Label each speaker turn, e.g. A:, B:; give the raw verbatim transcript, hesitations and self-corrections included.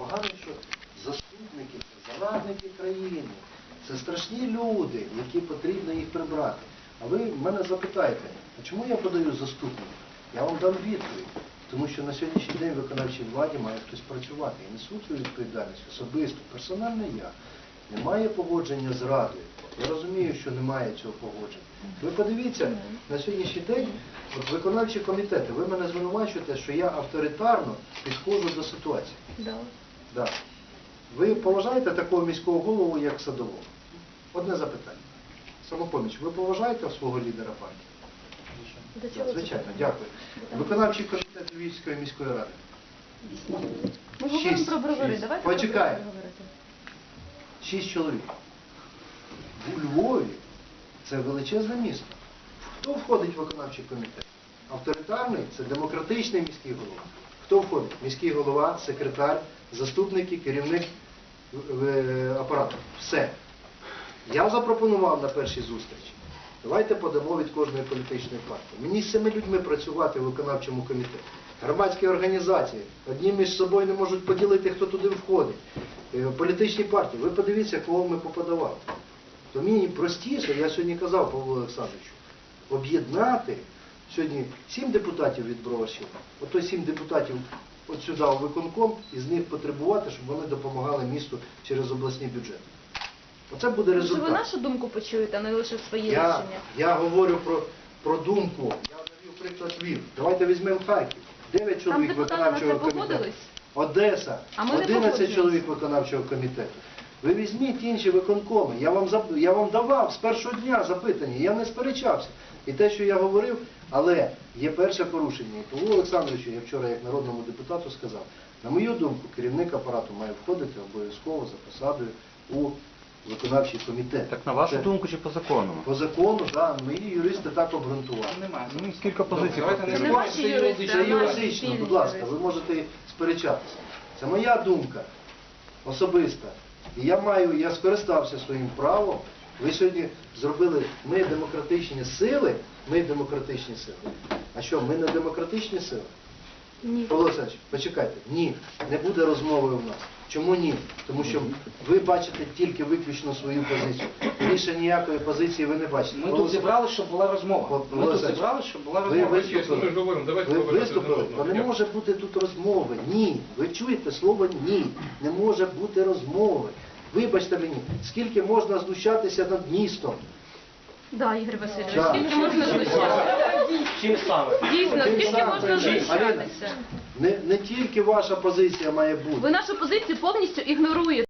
A: Погано, що заступники, це зарадники країни, це страшні люди, які потрібно їх прибрати. А ви мене запитаєте, а чому я подаю заступника? Я вам дам відповідь. Тому що на сьогоднішній день в виконавчій владі має хтось працювати. І несу цю відповідальність особисто, персонально я. Немає погодження з Радою. Я розумію, що немає цього погодження. Ви подивіться, на сьогоднішній день от виконавчі комітети, ви мене звинувачуєте, що я авторитарно підходжу до ситуації.
B: Да.
A: Да. Ви поважаєте такого міського голову, як Садового? Одне запитання. Самопоміч, ви поважаєте свого лідера партії?
B: До чого це
A: Звичайно,
B: питання?
A: дякую. Виконавчий комітет Львівської міської ради.
B: Ми говоримо
A: Шість.
B: про бровари.
A: Шість.
B: Давайте
A: Почекай.
B: про бровари говорити.
A: Шість чоловік. У Львові це величезне місто. Хто входить в виконавчий комітет? Авторитарний – це демократичний міський голова. Хто входить? Міський голова, секретар, заступники, керівник е, апарату. Все. Я запропонував на першій зустрічі. Давайте подамо від кожної політичної партії. Мені з цими людьми працювати в виконавчому комітеті. Громадські організації одні між собою не можуть поділити, хто туди входить. Е, Політичні партії. Ви подивіться, кого ми поподавали. То мені простіше, я сьогодні казав Павлу Олександровичу, об'єднати сьогодні сім депутатів від Броварщини, ото сім депутатів от сюди у виконком, і з них потребувати, щоб вони допомагали місту через обласний бюджет. Оце буде
B: Що
A: результат.
B: ви нашу думку почуєте, а не лише свої
A: Я,
B: рішення?
A: я говорю про, про думку. Я навів приклад Львів. Давайте візьмемо Харків. Дев'ять
B: Там
A: чоловік
B: депутати на це
A: виконавчого комітету.
B: погодились?
A: Одеса.
B: А ми не
A: одинадцять
B: погоджуємось.
A: чоловік виконавчого комітету. Ви візьміть інші виконкоми. Я вам, зап- я вам давав з першого дня запитання, я не сперечався. І те, що я говорив, але є перше порушення. І Павлу Олександровичу, я вчора як народному депутату сказав, на мою думку, керівник апарату має входити обов'язково за посадою у виконавчий комітет.
C: Так на вашу
A: Це
C: думку чи по закону?
A: по закону, да, мої юристи так обґрунтували.
D: Немає.
C: Ну, кілька позицій.
D: Давайте не
B: Це не
D: споримо,
B: ваші
D: це
B: юристи,
A: Це
B: а наші
A: юридично,
B: спільні
A: будь ласка,
B: юристи.
A: ви можете сперечатися. Це моя думка особиста. І я маю, я скористався своїм правом. Ви сьогодні зробили, ми демократичні сили, ми демократичні сили. А що, ми не демократичні сили?
B: Ні.
A: Павло Олександрович, почекайте. Ні, не буде розмови у нас. Чому ні? Тому що ви бачите тільки виключно свою позицію. Більше ніякої позиції ви не бачите.
D: Ми
A: Павло
D: тут зібралися, щоб була розмова.
A: Павло
D: Ми тут
A: Олександрович,
D: зібралися, щоб була
A: ви
D: розмова.
A: виступили.
E: Ми ж говоримо, давайте
A: Ви
E: повертатися
A: виступили,
E: до
A: то
E: розмови.
A: не може бути тут розмови. Ні. Ви чуєте слово ні. Не може бути розмови. Вибачте мені, скільки можна знущатися над містом?
B: Да, Ігор Васильович,
A: Да.
B: скільки можна знущатися?
D: Чим саме?
B: Дійсно,
A: Тим
B: скільки
A: самим.
B: можна
A: Аліна,
B: знущатися?
A: Не, не тільки ваша позиція має бути.
B: Ви нашу позицію повністю ігноруєте.